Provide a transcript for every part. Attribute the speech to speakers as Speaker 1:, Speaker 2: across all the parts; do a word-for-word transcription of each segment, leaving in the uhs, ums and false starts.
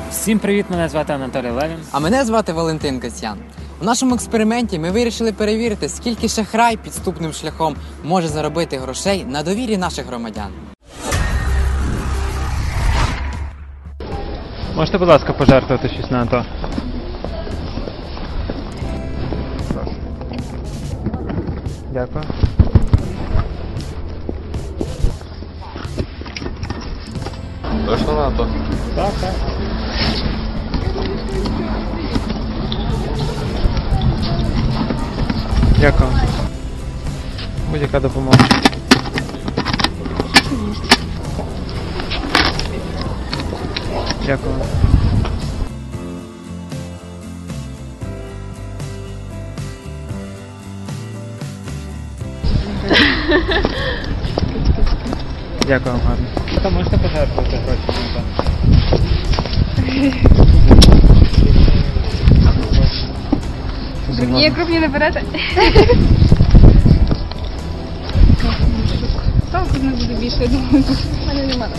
Speaker 1: Всім привіт, мене звати Анатолій Левін.
Speaker 2: А мене звати Валентин Касьян. У нашому експерименті ми вирішили перевірити, скільки шахрай підступним шляхом може заробити грошей на довірі наших громадян.
Speaker 1: Можете, будь ласка, пожертвувати щось на АТО? Дякую.
Speaker 3: Точно на АТО?
Speaker 1: Так, так. Дякую. Будь-яка допомога. Дякую. Дякую вам гарно. Ви можете пожертвувати гроші на АТО?
Speaker 4: Ні, крупні не берете. Там тут не буде більше, я думаю. У мене немає.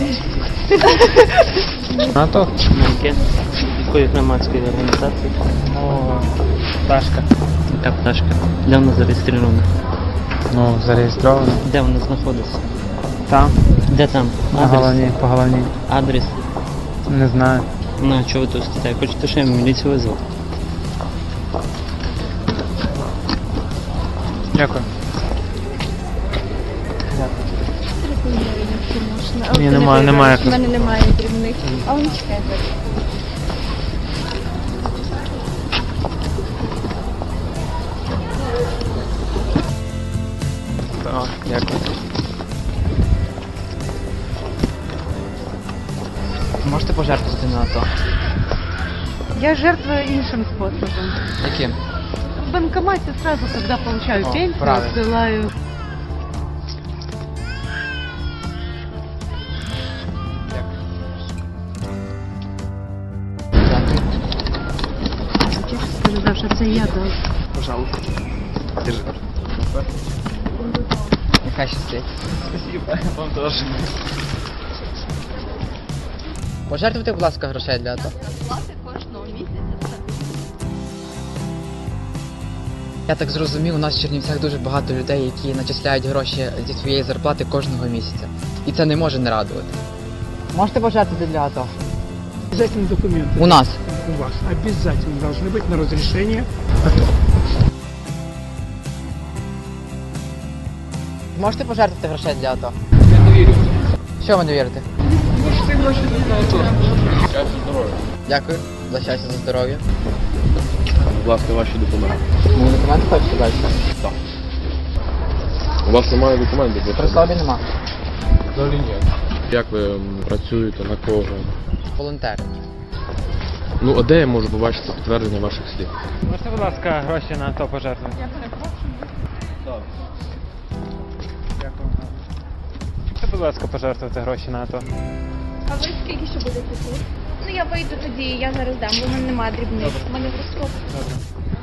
Speaker 1: АТО?
Speaker 5: Яке? Якої громадської організації?
Speaker 1: О, пташка.
Speaker 5: Яка пташка? Де вона зареєстрована?
Speaker 1: Ну, зареєстровано.
Speaker 5: Де вона знаходиться?
Speaker 1: Там,
Speaker 5: Де там?
Speaker 1: на
Speaker 5: Адрес?
Speaker 1: головній, по головній.
Speaker 5: Адрес?
Speaker 1: Не знаю.
Speaker 5: Ну, а чого ви тут стоїте? Хочете, що я міліцію визвав?
Speaker 1: Дякую.
Speaker 4: А
Speaker 1: Ні,
Speaker 4: от
Speaker 1: немає,
Speaker 4: не
Speaker 1: немає.
Speaker 4: У мене немає дрібних. А вони чекають.
Speaker 1: Так, дякую.
Speaker 2: Можете пожертвувати на АТО?
Speaker 6: Я жертвую іншим способом.
Speaker 2: Яким?
Speaker 6: В банкомате сразу, когда получаю
Speaker 2: О,
Speaker 6: пенсию,
Speaker 2: правильно.
Speaker 6: отсылаю. Сказав, що це я дав.
Speaker 3: Пожалуйста. Держи.
Speaker 2: Нехай щастить.
Speaker 3: Спасибо. Вам тоже.
Speaker 2: Пожертвуйте, будь ласка, грошей для АТО. Я так зрозумів, у нас в Чернівцях дуже багато людей, які начисляють гроші зі своєї зарплати кожного місяця. І це не може не радувати. Можете пожертвувати для АТО?
Speaker 7: Обязательно документы.
Speaker 2: У нас.
Speaker 7: У вас обязательно должны быть на разрешение.
Speaker 2: Можете пожертвувати грошей для АТО?
Speaker 3: Я не вірю.
Speaker 2: Що ви не вірите?
Speaker 3: Можете гроші на АТО. Щастя, здоров'я.
Speaker 2: Дякую за щастя, за здоров'я.
Speaker 3: Будь ласка, ваші документи.
Speaker 2: Мені документи хочете далі?
Speaker 3: Так. У вас немає документів?
Speaker 2: При собі нема.
Speaker 3: Взагалі ні. Як ви м, працюєте, на кого?
Speaker 2: Волонтери.
Speaker 3: Ну, а де я можу побачити підтвердження ваших слів?
Speaker 1: Можете, будь ласка, гроші на АТО пожертвувати? Я перепрошую.
Speaker 3: Так.
Speaker 1: Дякую. Можете, будь ласка, пожертвувати гроші на АТО?
Speaker 4: А ви скільки ще будете тут? Ну я вийду тоді, я зараз дам, бо в мене немає дрібних. У мене в розкоп.
Speaker 1: Добре.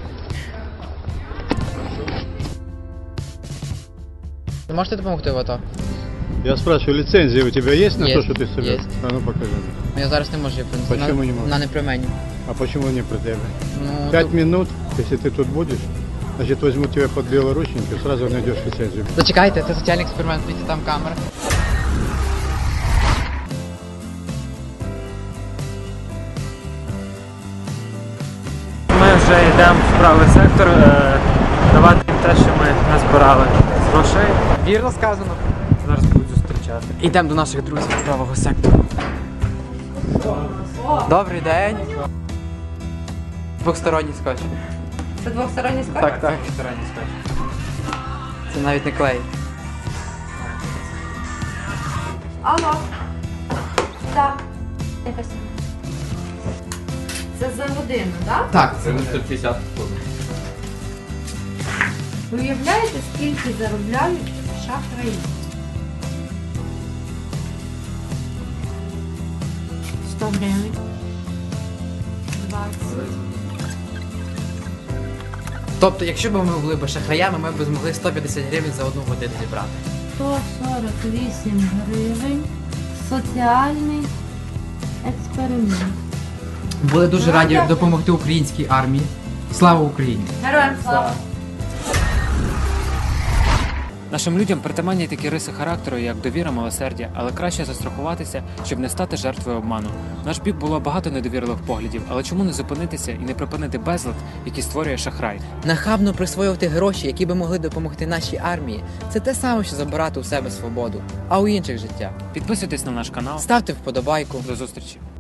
Speaker 2: Ви можете допомогти в АТО?
Speaker 7: Я спрашиваю, лицензия у тебя есть на
Speaker 2: Есть,
Speaker 7: то, что ты собираешь?
Speaker 2: есть.
Speaker 7: А ну покажи.
Speaker 2: Ну я зараз не можу її принести.
Speaker 7: Почему
Speaker 2: Вона-
Speaker 7: не можеш?
Speaker 2: Вона не при мені.
Speaker 7: А почему не про тебя?
Speaker 2: Ну,
Speaker 7: Пять
Speaker 2: то-
Speaker 7: минут, если ты тут будешь, значит возьму тебя под белорученьки, сразу найдешь лицензию.
Speaker 2: Зачекайте, це соціальний експеримент, дивіться, там камера.
Speaker 1: Ми вже йдемо в правий сектор, е, давати їм те, що ми назбирали з грошей.
Speaker 2: Вірно сказано.
Speaker 1: Зараз будуть зустрічати.
Speaker 2: Йдемо до наших друзів з правого сектору. Добрий день. Двохсторонній скотч.
Speaker 6: Це двосторонній скотч?
Speaker 2: Так, так.
Speaker 1: Двосторонній скотч.
Speaker 2: Це навіть не клей.
Speaker 6: Алло. Так. Якось. Це за годину, так?
Speaker 2: Так, це
Speaker 3: сто п'ятдесят хвилин.
Speaker 6: Ви уявляєте, скільки заробляють шахраї? сто гривень. двадцять.
Speaker 2: Тобто, якщо б ми були б шахраями, ми б змогли сто п'ятдесят гривень за одну годину зібрати.
Speaker 6: сто сорок вісім гривень. Соціальний експеримент.
Speaker 2: Були дуже раді допомогти українській армії. Слава Україні!
Speaker 6: Героям слава!
Speaker 1: Нашим людям притаманні такі риси характеру, як довіра, милосердя, але краще застрахуватися, щоб не стати жертвою обману. В наш бік було багато недовірливих поглядів, але чому не зупинитися і не припинити безлад, який створює шахрай?
Speaker 2: Нахабно присвоювати гроші, які би могли допомогти нашій армії, це те саме, що забирати у себе свободу, а у інших життя.
Speaker 1: Підписуйтесь на наш канал.
Speaker 2: Ставте вподобайку.
Speaker 1: До зустрічі!